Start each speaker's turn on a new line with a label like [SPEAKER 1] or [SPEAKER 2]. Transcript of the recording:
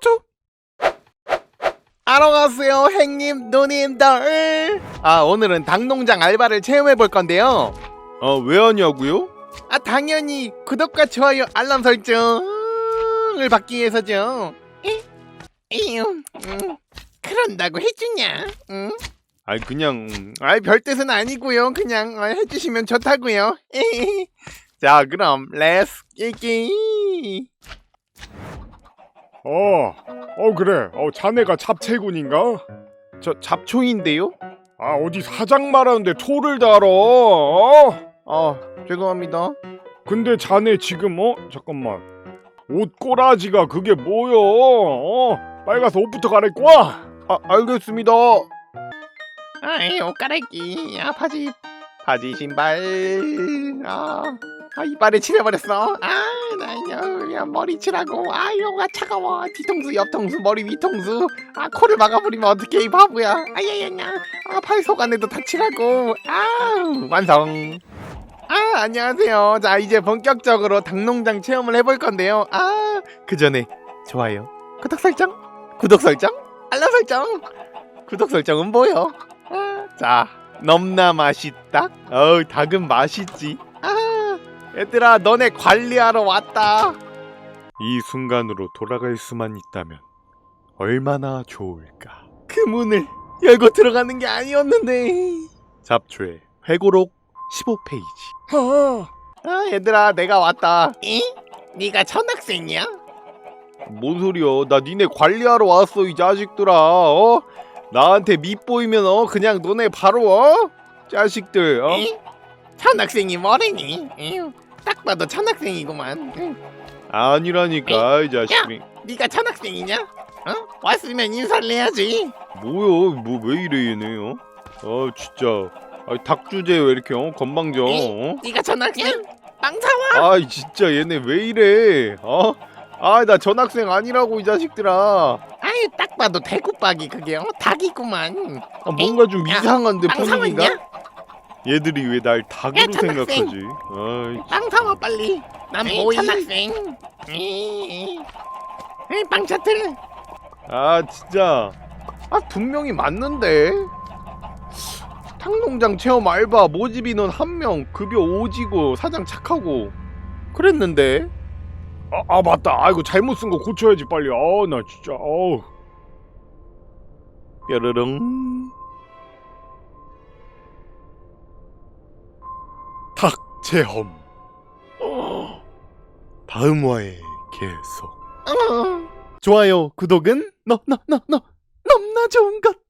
[SPEAKER 1] 투투투투. 안녕하세요 행님 누님들. 오늘은 닭농장 알바를 체험해볼 건데요.
[SPEAKER 2] 왜 하냐고요?
[SPEAKER 1] 당연히 구독과 좋아요 알람 설정을 받기 위해서죠. 그런다고 해주냐?
[SPEAKER 2] 그냥
[SPEAKER 1] 별 뜻은 아니고요. 그냥 해주시면 좋다고요. 자 그럼 렛츠 끼기.
[SPEAKER 3] 그래. 자네가 잡채군인가?
[SPEAKER 1] 저 잡초인데요?
[SPEAKER 3] 어디 사장 말하는데 토를 달어.
[SPEAKER 1] 죄송합니다.
[SPEAKER 3] 근데 자네 지금 잠깐만. 옷 꼬라지가 그게 뭐여? 빨리 가서 옷부터 갈아입고 와.
[SPEAKER 1] 알겠습니다. 옷 갈아입기. 바지 신발. 이빨에 칠해버렸어. 나 머리 칠하고. 이거가 차가워. 뒤통수 옆통수 머리 위통수. 코를 막아버리면 어떡해 이 바보야. 팔 속 안에도 다 칠하고. 완성. 안녕하세요. 자 이제 본격적으로 닭농장 체험을 해볼 건데요. 그 전에 좋아요, 구독 설정, 알람 설정. 구독 설정은 뭐요? 자 넘나 맛있다. 닭은 맛있지. 얘들아 너네 관리하러 왔다.
[SPEAKER 2] 이 순간으로 돌아갈 수만 있다면 얼마나 좋을까.
[SPEAKER 1] 그 문을 열고 들어가는 게 아니었는데.
[SPEAKER 2] 잡초의 회고록 15페이지.
[SPEAKER 1] 얘들아 내가 왔다. 네가 전학생이야?
[SPEAKER 2] 뭔 소리야? 나 니네 관리하러 왔어 이 자식들아. 나한테 밑보이면 그냥 너네 바로 자식들.
[SPEAKER 1] 전학생이 뭐래니? 딱 봐도 전학생이구만.
[SPEAKER 2] 아니라니까 이 자식이.
[SPEAKER 1] 네가 전학생이냐? 왔으면 인사를 해야지.
[SPEAKER 2] 뭐야? 왜 이래 얘네? 진짜. 닭 주제 왜 이렇게 건방져?
[SPEAKER 1] 네가 전학생? 빵사와?
[SPEAKER 2] 진짜 얘네 왜 이래? 나 전학생 아니라고 이 자식들아.
[SPEAKER 1] 딱 봐도 대구박이 그게 닭이구만.
[SPEAKER 2] 뭔가 좀 이상한데 분위기가?
[SPEAKER 1] 빵사왔냐?
[SPEAKER 2] 얘들이 왜 날 닭으로
[SPEAKER 1] 전학생.
[SPEAKER 2] 생각하지?
[SPEAKER 1] 빵사와 빨리. 난 뭐이? 전학생. 빵차틀.
[SPEAKER 2] 진짜. 분명히 맞는데. 닭농장 체험 알바 모집 인원 1명, 급여 오지고 사장 착하고 그랬는데.
[SPEAKER 3] 맞다. 아이고 잘못 쓴 거 고쳐야지 빨리. 나 진짜.
[SPEAKER 2] 뾰르릉. 닭 체험. 다음 화에 계속.
[SPEAKER 1] 좋아요, 구독은 너무나 좋은 것.